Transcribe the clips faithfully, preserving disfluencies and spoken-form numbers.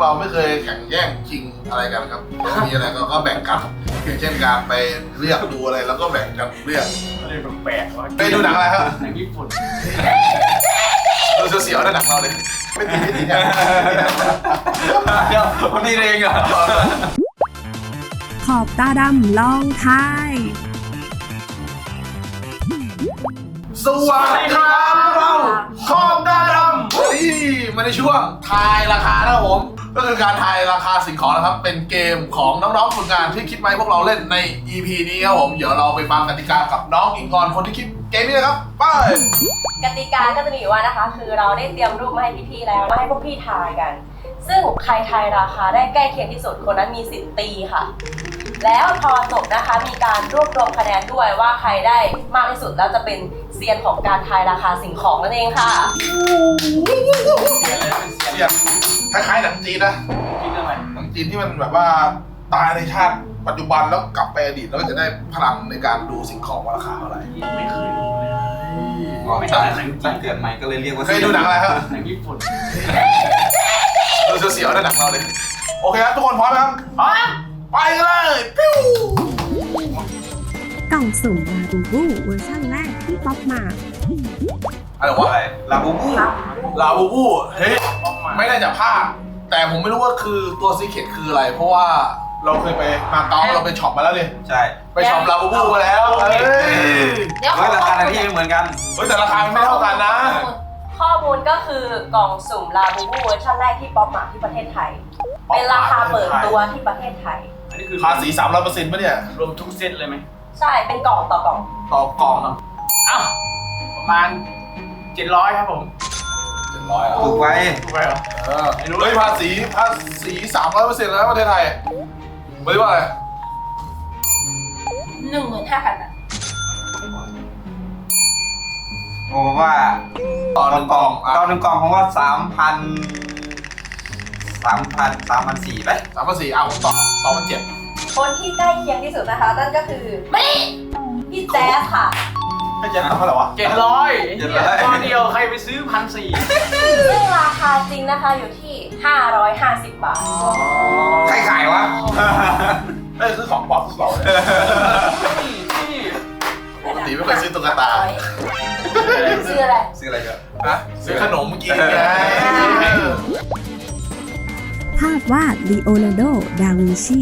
เราไม่เคยแข่งแย่งชิงอะไรกันครับมีอะไรก็ก็แบ่งกันอย่างเช่นการไปเลือกดูอะไรแล้วก็แบ่งกันเลือกอะไรแปลกๆวะไปดูหนังอะไรครับหนังญี่ปุ่นดูเสียวๆนะหนังเราเลยไม่ตีไม่ตีเนี่ยเดี๋ยวคนนี้เองเหรอขอบตาดำลองทายสวัสดีครับพวกเราขอบตาดำวันนี้มาในช่วงทายราคานะครับผมก็คือการทายราคาสิ่งของนะครับเป็นเกมของน้องๆฝึกงานที่คิดมาให้พวกเราเล่นใน อี พี นี้ครับผมเดี๋ยวเราไปฟังกติกากับน้องอิงกรคนที่คิดเกมนี้นะครับไปกติกาก็จะมีอยู่ว่านะคะคือเราได้เตรียมรูปมาให้พี่ๆแล้วมาให้พวกพี่ทายกัน ซึ่งใครทายราคาได้ใกล้เคียงที่สุดคนนั้นมีสิทธิ์ตีค่ะ แล้วพอจบนะคะมีการรวบรวมคะแนนด้วยว่าใครได้มากที่สุดแล้วจะเป็นเซียนของการทายราคาสิ่งของนั่นเองค่ะเสียเลยเป็นเสียเสียงคล้ายๆหนังจีนนะคิดเรื่องอะไรหนังจีนที่มันแบบว่าตายในชาติปัจจุบันแล้วกลับไปอดีตแล้วก็จะได้พลังในการดูสิ่งของว่าราคาเท่าไหร่ไม่เคยดูเลยอ๋อตั้งตั้งเกิดใหม่ก็เลยเรียกว่าเคยดูหนังอะไรครับหนังญี่ปุ่นดูเสียวๆนะหนังเราเลยโอเคครับทุกคนพร้อมไหมครับพร้อมไปกันเลยปิ้วกล่องสุ่มลาบูบูเวอร์ชันแรกที่ป๊อปมาอะไรวะอะไรลาบูบูลาบูบูเฮ้ยไม่น่าจะพลาดแต่ผมไม่รู้ว่าคือตัวซีเคร็ตคืออะไร เพราะว่าเราเคยไปมาเก๊าเราไปช็อปมาแล้วนี่ใช่ไปช็อปลาบูบูมาแล้วเฮ้ยเดี๋ยวขเฮ้อยราคาที่ไม่เหมือนกันเฮ้ยแต่ราคามันไม่เท่ากันนะข้อมูลก็คือกล่องสุ่มลาบูบูเวอร์ชันแรกที่ป๊อปมาที่ประเทศไทย เป็นราคาเปิดตัวที่ประเทศไทยอันนี้คือภาษีสามร้อยเปอร์เซ็นต์ป่ะเนี่ยรวมทุกเซตเลยไหมใช่เป็นกล่องต่อกล่องต่อกล่องอ้าวประมาณเจ็ดร้อยครับผมเจ็ดร้อยอ่ะถูกไว้ถูกไหมเหรอเออเฮ้ยภาษีภาษีสามร้อยเปอร์เซ็นต์แล้วประเทศไทยไม่ได้ว่าอะไรหนึ่งหมื่นห้าพันบาทผมว่าต่อหนึ่งกล่องอ่ะตอนหนึ่งกล่องผมว่าสามพันสามพันสามพันสี่ไปสามพันสี่อ่ะผมต่อสองพันเจ็ดคนที่ใกล้เคียงที่สุดนะคะนั่นก็คือไม่พี่แจ๊สค่ะให้แจ็คทำเท่าไหร่วะเจ็ดร้อยตอนเดียวใครไปซื้อพันสี่ซึ่งราคาจริงนะคะอยู่ที่ห้าร้อยห้าสิบบาทใครขายวะเอ้ยซื้อของปลอมทุกเราเลยนี่ปกติไม่เคยซื้อตุ๊กตาซื้ออะไรซื้ออะไรเยอะนะซื้อขนมกินไงภาพวาดลีโอนาร์โด ดาวินชี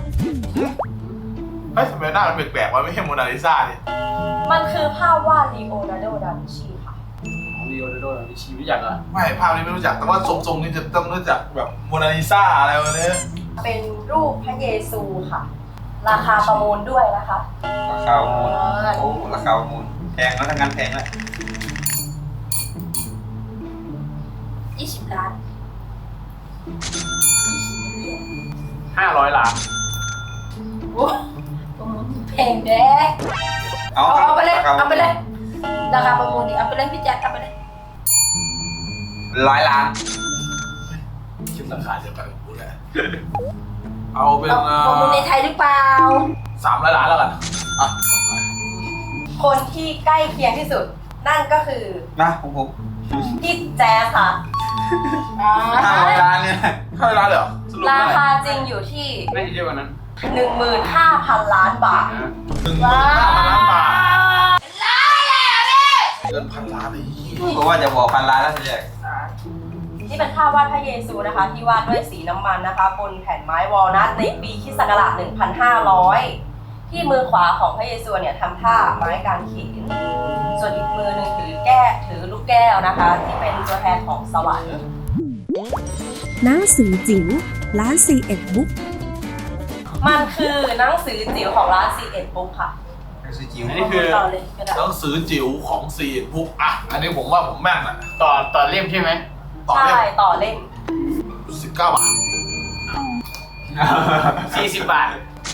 เฮ้ยทำไมหน้ามันแปลกๆวะไม่ใช่โมนาลิซาเนี่ยมันคือภาพวาดลีโอนาร์โด ดาวินชีค่ะของลีโอนาร์โดดาวินชีรู้จักเหรอไม่ภาพนี้ไม่รู้จักแต่ว่าทรงๆนี่จะต้องรู้จักแบบโมนาลิซาอะไรวะเนี่ยเป็นรูปพระเยซูค่ะ ราคาประมูลด้วยนะคะราคาประมูลโอ้ราคาประมูลแพงแล้วทั้งงานแพงเลยยี่สิบล้านห้าร้อยล้านโอ้ประมูลแพงแด้เอาเอาเอาไปเลยรคเอาไปเลย ราคาประมูลดิเอาไปเลยพี่แจ๊คเอาไปเลยร้อยล้านคิดราคาเดียวกันกับกูแหละเอาเป็นประมูลในไทยหรือเปล่าสามร้อยล้านแล้วกันอ่ะคนที่ใกล้เคียงที่สุด นั่นก็คือนะผมผมพี่แจ๊สค่ะห้าร้อยล้านเนี่ยห้าร้อยล้านเลยเหรอสรุปราเท่าไหร่คาจริงอยู่ที่น่าจะเยอะกว่านั้นหนึ่งหมื่นห้าพันล้านบาทนะหนึ่งหมื่นห้าพันล้านบาทเกินพันล้านเลยเพราะว่าจะบอกพันล้านแล้วทีแรกนี่เป็นภาพวาดพระเยซูนะคะ ที่วาดด้วยสีน้ำมันนะคะบนแผ่นไม้วอลนัทในปีคริสต์ศักราชหนึ่งพันห้าร้อย ที่มือขวาของพระเยซูเนี่ยทำท่าไม้กางเขน ส่วนอีกมือหนึ่งถือแก้ถือลูกแก้วนะคะ ที่เป็นตัวแทนของสวรรค์หนังสือจิ๋วร้านซีเอ็ดบุ๊กมันคือหนังสือจิ๋วของร้าน ซี เอ็ด Book ค่ะซื้อจิ๋วอันนี้คือต่อเลยก็ได้หนังสือจิ๋วของซีนพุกอ่ะอันนี้ผมว่าผมแม่นอ่ะต่อต่อเล่มใช่ไหมต่อใช่เล่มต่อเล่มสิบเก้าบาทสี่สิบบาท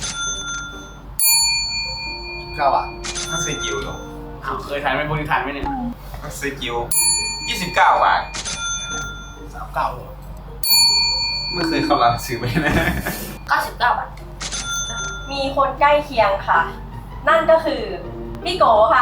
สิบเก้าบาทถ้าซื้อจิ๋วเหรออ้าวเคยทานไหมพวกนี้ทานไหมเนี่ยถ้าซื้อจิ๋วยี่สิบเก้าบาทสามเก้าเลยไม่เคยเข้าร้านซื้อไปนะเก้าสิบเก้าบาท มีคนใกล้เคียงค่ะ นั่นก็คือพี่โกค่ะ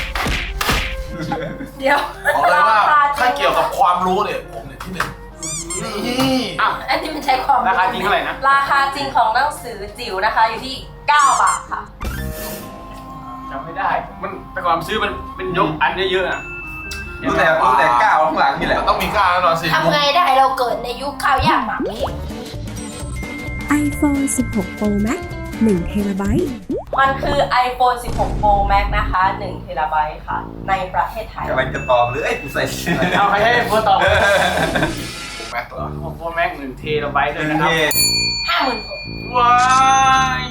เดี๋ยวบอกเลยว่าราคาจริงถ้าเกี่ยวกับความรู้เนี่ยผมเนี่ยที่หนึ่งนี่อ้าวอันนี้มันใช้ความราคาจริงเท่าไหร่นะราคาจริงของหนังสือจิ๋วนะคะอยู่ที่เก้าบาทค่ะจำไม่ได้ มันแต่ก่อนซื้อมันเป็นยกอันเยอะๆอ่ะรู้แต่รู้แต่ก้าวข้างหลังนี่แหละต้องมีก้าวแน่นอนสิทำไงได้เราเกิดในยุคข้าวยากหมากแพง iPhone สิบหก Pro Max หนึ่งเทราไบต์มันคือ iPhone สิบหก Pro Max นะคะหนึ่งเทราไบต์ค่ะ ในประเทศไทยกำลังจะตอบเลยเอ้ยกูใส่เสื้อเอาใครให้เพื่อตอบแม็กตัวโอ้โหแม็กหนึ่งเทราไบต์เลยนะครับห้าหมื่นหกว้าย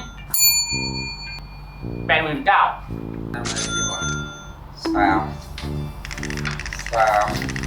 แปดหมื่นเก้าสามสาม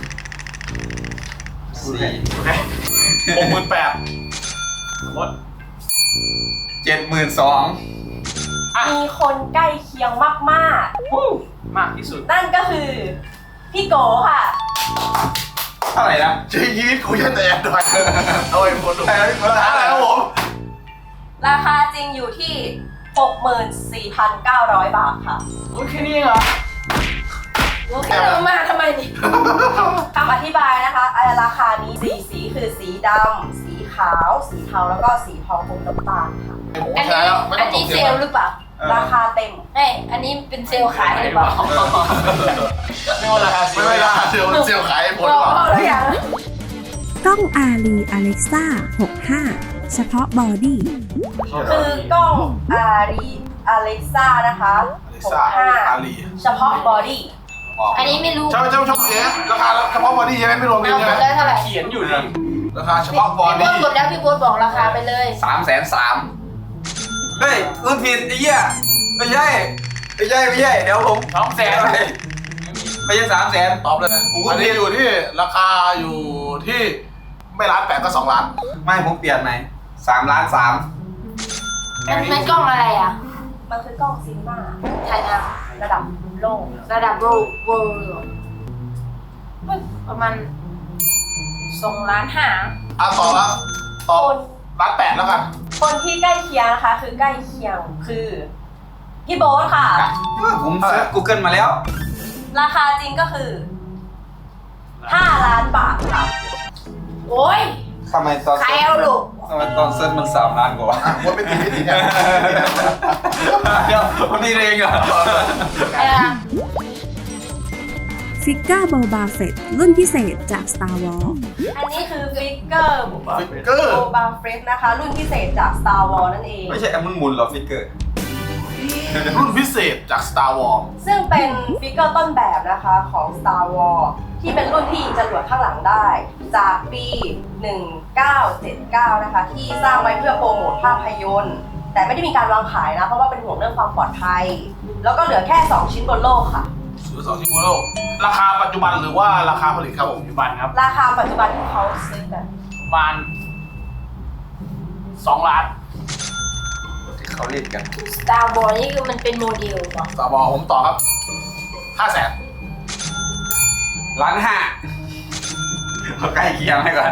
สี่หกหมื่นแปดหมดเจ็ดหมื่นสองมีคนใกล้เคียงมากวู้มากที่สุดๆ นั่นก็คือพี่โกค่ะเท่าไหร่นะชีวิตกูยันแต่แอนดรอยเอาไอ้คนดูภาษาอะไรครับผมราคาจริงอยู่ที่ หกหมื่นสี่พันเก้าร้อย บาทค่ะโอเคนี่เหรอแค่ลงมาทำไมนี่คำอธิบายนะคะอ่าราคานี้สีสีคือสีดำ สีขาว สีเทา แล้วก็สีทองอมน้ำตาลค่ะผมอันใช้นี้แล้วไม่อัต้อน งตนี้กเซเทียลมล์หรือเปล่าราคาเต็มเอ้ยอันนี้เป็นเซลล์ขายหรือเปล่าไม่ว่าราคาไม่ไม่ได้เซลล์เซลล์ขายผลบหรออกกหรือยังกล้อง Arri Alexa หกห้า เฉพาะบอดี้คือกล้อง Arri Alexa นะคะอลิซ่าหกห้าอาลีเฉพาะบอดี้อันนี้ไม่รู้ใช่ใช่ใช่เอ๊ะราคาเฉพาะบอดี้ใช่ไหมไม่รวมบิเอานหใช่มไหมดแล้วเท่าไหร่เขียนอยู่นี่ราคาเฉพาะบอพี่ดี้โบ๊ทหมดแล้วพี่โบ๊ทบอกราคาไปเลยสามแสนสามเฮ้ยรุ่นผิดไอ้เหี้ยไม่ใช่ไม่ใช่ไม่ใช่เดี๋ยวผมสองแสนไม่ใช่สามแสนตอบเลยอันนี้อยู่ที่ราคาอยู่ที่ไม่ล้านแปดก็สองล้านไม่ผมเปลี่ยนไหมสามล้านสามมันมันกล้องอะไรอ่ะมันคือกล้องซินมาถ่ายหน้าระดับโลกระดับโรเวิลด์ประมาณสองล้านห้าอ่ะต่อละตอบคนล้านแปดแล้วกันคนที่ใกล้เคียงนะคะ คือใกล้เคียงคือพี่โบ๊ทค่ะผมเซิร์ช Google มาแล้วราคาจริงก็คือห้าล้านบาทค่ะโอ้ยทำไมตอนใครเอาลูกทำไมตอนเซิร์ชมันสามล้านกว่าอ่ะว่าไม่ติดไม่ติดเนี่ยเดี๋ยวคนนี้เองเหรอเออฟิกเกอร์โบบาเฟตรุ่นพิเศษจาก Star Wars อันนี้คือฟิกเกอร์ฟิกเกอร์โบบาเฟรสนะคะ รุ่นพิเศษจาก Star Wars นั่นเองไม่ใช่แอมมันหมุนเหรอฟิกเกอร์รุ่นพิเศษจาก Star Wars ซึ่งเป็นฟิกเกอร์ต้นแบบนะคะของ Star Wars ที่เป็นรุ่นที่ยิงจรวดข้างหลังได้ จากปี หนึ่งเก้าเจ็ดเก้า นะคะ ที่สร้างไว้เพื่อโปรโมทภาพยนตร์ แต่ไม่ได้มีการวางขายนะ เพราะว่าเป็นห่วงเรื่องความปลอดภัย แล้วก็เหลือแค่ สอง ชิ้นบนโลกค่ะหรือสองชิ้นโมโลราคาปัจจุบันหรือว่าราคาผลิตครับผมปัจจุบันครับราคาปัจจุบันที่เขาซื้อกันประมาณสองล้านที่เขาเล่นกันสตาร์บอลนี่คือมันเป็นโมเดลเหรอสตาร์บอลผมต่อครับห้าแสนล้านห้าเขาใกล้เคียงให้ก่อน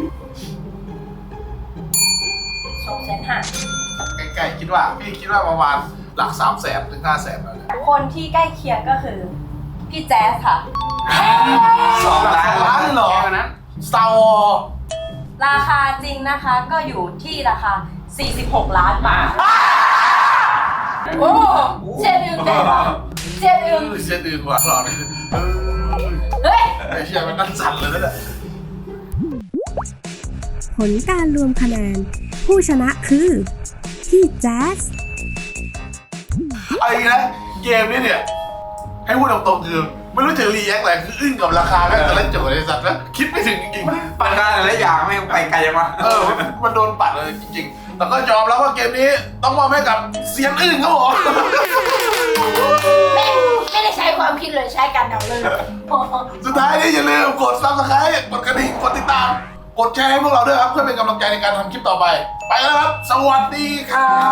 สองแสนห้าใกล้ๆคิดว่าพี่คิดว่าประมาณหลักสามแสนถึงห้าแสนแล้วเนี่ยคนที่ใกล้เคียงก็คือพี่แจ๊สค่ะสองล้านสองล้านเหรอแค่นั้น Star Wars ราคาจริงนะคะก็อยู่ที่ราคา สี่สิบหก ล้านบาทโอ้เจ็ดอึงได้ปะเจ็ดอึงเสียดื่นกว่าหรอเนี่ยเฮ้ยไอ้เชี่ยมันนั่นสั่นเลยนะเนี่ยผลการรวมคะแนน ผู้ชนะคือ พี่แจ๊สเอาอีกนะเกมนี้เนี่ย ให้พูดตรงๆคือไม่รู้จะรีแอคอะไรคืออึ้งกับราคาแม่งแต่ละโจทย์ไอ้สัตว์นะคิดไม่ถึงจริงๆปันได้หลายอย่างไม่ไปไกลยังวะเออ มันโดนปัดเลยจริงๆ แต่ก็ยอมแล้วว่าเกมนี้ต้องมอบให้กับเสียงอึ้งครับผมไม่ไม่ได้ใช้ความคิดเลยใช้การเดาเลยสุดท้ายนี้อย่าลืมกด ซับสไครบ์ กดกระดิ่ง กดติดตาม กดแชร์ให้พวกเราด้วยครับเพื่อเป็นกำลังใจในการทำคลิปต่อไป ไปแล้วครับ สวัสดีครับ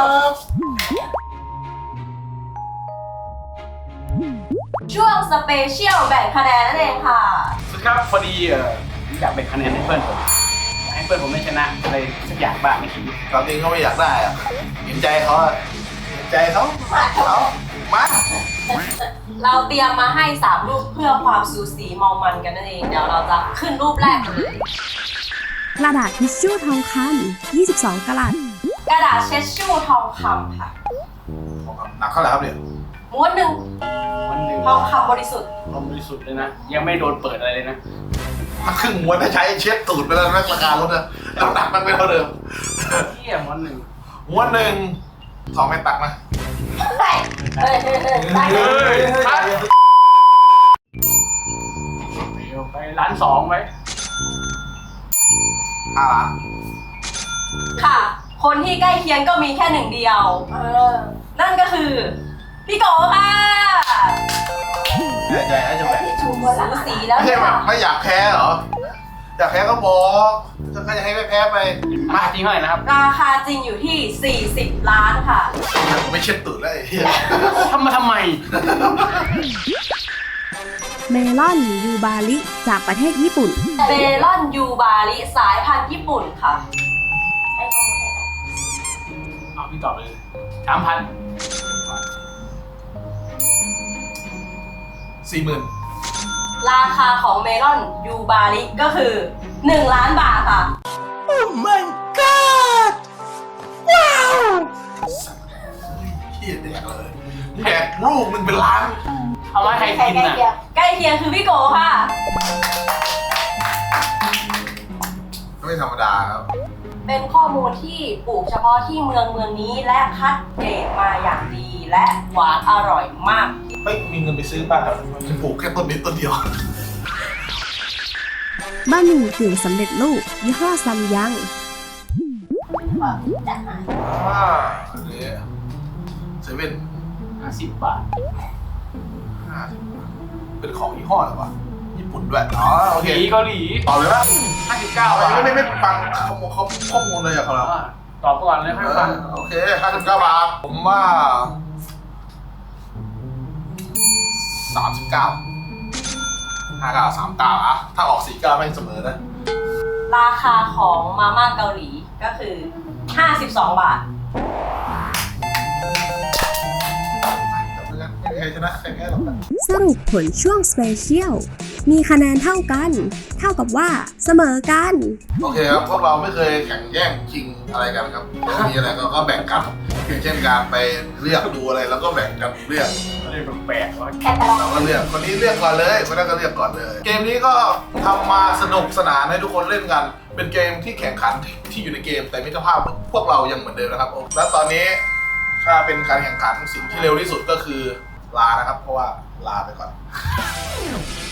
ช่วงสเปเชียลแบ่งคะแนนนั่นเองค่ะสุดครับพอดีเอออยากแบ่งคะแนนให้เพื่อนผมอยากให้เพื่อนผมได้ชนะอะไรสักอย่างบ้างไม่คิดความจริงเขาไม่อยากได้อะเห็นใจเขาอะเห็นใจเขาเขามาเราเตรียมมาให้สามรูปเพื่อความสูสีมองมันกันนั่นเอง เดี๋ยวเราจะขึ้นรูปแรกกันเลยกระดาษทิชชู่ทองคำยี่สิบสองกะรัตกระดาษเช็ดชู่ทองคำค่ะหนักเท่าไหร่ครับเนี่ยม้วนหนึ่งวันหนึ่งทองคำบริสุทธิ์ลมบริสุทธิ์เลยนะ ยังไม่โดนเปิดอะไรเลยนะถ้าครึ่งม้วนถ้าใช้เช็ดตูดไปแล้วนะราคาลดนะน้ำหนักมันไม่เท่าเดิมเที่ยวันหนึ่งม้วนหนึ่งสองไม่ตักนะเฮ้ยเฮ้ยเฮ้ยเฮ้ยได้เลเฮ้ยยครับไปร้านสองไว้ห้าล้านค่ะ คนที่ใกล้เคียงก็มีแค่หนึ่งเดียวเออนั่นก็คือ พี่โกค่ะใหญ่ใหญ่จะแบบชูมือสูละสีแล้วไม่ใช่เนี่ยแบบไม่อยากแพ้เหรอ อยากแพ้ก็บอกถ้าจะให้ไม่แพ้ไปมาจริงเท่าไหร่นะครับราคาจริงอยู่ที่สี่สิบล้านค่ะไม่เช็ดตูดเลยไอ้เหี้ยทำมาทำไมเมลอนยูบาริจากประเทศญี่ปุ่นเบลอนยูบาริสายพันธุ์ญี่ปุ่นค่ะ ให้ข้อมูลให้กันเอาพี่ตอบไปเลยสามพันสี่หมื่นราคาของเมลอนยูบาริก็คือหนึ่งล้านบาทค่ะเหี้ยแดกเลยแดกลูกหนึ่งเป็นล้านเอามาใครใครกินใกล้น่ะเคียงใกล้เคียงคือพี่โกค่ะไม่ธรรมดาครับเป็นข้อมูลที่ปลูกเฉพาะที่เมืองเมืองนี้และคัดเกรดมาอย่างดีและหวานอร่อยมากไม่มีเงินไปซื้อบ้านครับจะปลูกแค่ต้นนี้ต้นเดียวบะหมี่กึ่งสำเร็จรูปยี่ห้อซัมยังจัดมาอ่าอันนี้เซเว่นห้าสิบบาทห้าสิบบาทเป็นของยี่ห้ออะไรวะญี่ปุ่นด้วย อ๋อ โอเคเกาหลีเกาหลีต่อเลยนะห้าสิบเก้าบาทไม่ไม่ไม่ฟังข้อมูลข้อมูลเลยอะครับเราอ่าตอบก่อนเลยค่อยฟังโอเคห้าสิบเก้าบาท ผมว่าสามสิบเก้าห้าเก้าสามเก้าอะถ้าออกสี่เก้าไม่เสมอนะราคาของมาม่าเกาหลีก็คือห้าสิบสองบาทไม่มีใครชนะใครแพ้หรอกนะสรุปผลช่วงสเปเชียล มีคะแนนเท่ากัน เท่ากับว่าเสมอกันโอเคครับ พวกเราไม่เคยแข่งแย่งชิงอะไรกันครับมีอะไรก็ก็แบ่งกันอย่างเช่นการไปเลือกดูอะไรแล้วก็แบ่งกันเลือกอะไรแปลกๆวะแคตตาล็อกเราก็เลือกคนนี้เลือกก่อนเลยคนนั้นก็เลือกก่อนเลย เกมนี้ก็ทำมาสนุกสนานให้ทุกคนเล่นกัน เป็นเกมที่แข่งขันที่ที่อยู่ในเกม แต่มิตรภาพพวกเรายังเหมือนเดิมนะครับ และตอนนี้ถ้าเป็นการแข่งขันสิ่งที่เร็วที่สุดก็คือลานะครับ เพราะว่าลาไปก่อน